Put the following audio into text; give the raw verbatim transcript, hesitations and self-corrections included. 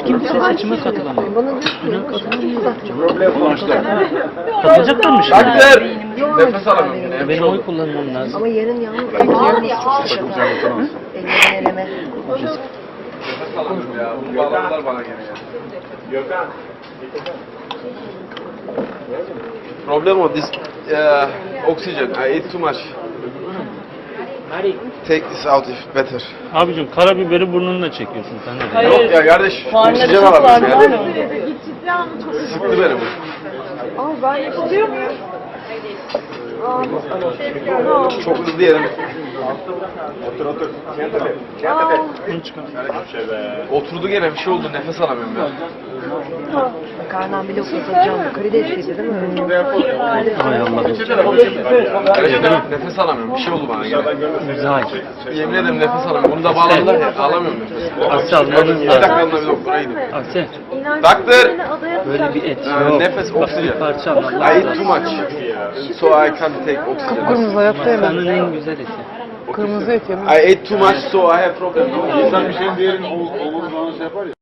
kimse seçime katılamıyor. Bana diyor ki Problem var. Katılacaklar mı şimdi? Takdir. Nefes alamıyorum yine. Benim oy kullanmam lazım. ama yarın yalnız ayağımız çok şaka. Ellerini eleme. Nefes alamıyorum ya. Bu bağlantılar bana gene ya. Gökhan. Problem o. This uh, oxygen. I ate too much. Take this out if better. Abicim karabiberi burnunla çekiyorsun sen de. Hayır. Yok ya kardeş. Karnına Oksijen çok var alamıyorum mı? ya. Sıktı beni bu. Ama ben yapılıyor muyum? Çok hızlı yerim. Otur otur. Siéntate. Siéntate. Bunu çıkar. Şey be. Oturdu gene bir şey oldu. Nefes alamıyorum ya. Makarnam bile okutacağım. Karidesliydi değil mi? Hay Allah. Gerçekten nefes alamıyorum. Bir şey oldu bana gene. Güzel. Yemin ederim nefes alamıyorum. Bunu da bağladılar ya. Alamıyorum nefes. Asya almanız İki lazım. dakikamda bir doktora gidin. Asya Doctor. böyle bir et Ee, yok. nefes Bak, oksijen. bir parça I alman ate lazım. too much. So I can't take oxygen. Kırmızı hayatta yemem. Masanın en güzel eti. Kırmızı et yemem. I ate too much so I have problem. İnsan bir şeyin diğerinin omuz omuzlarını şey yapar ya.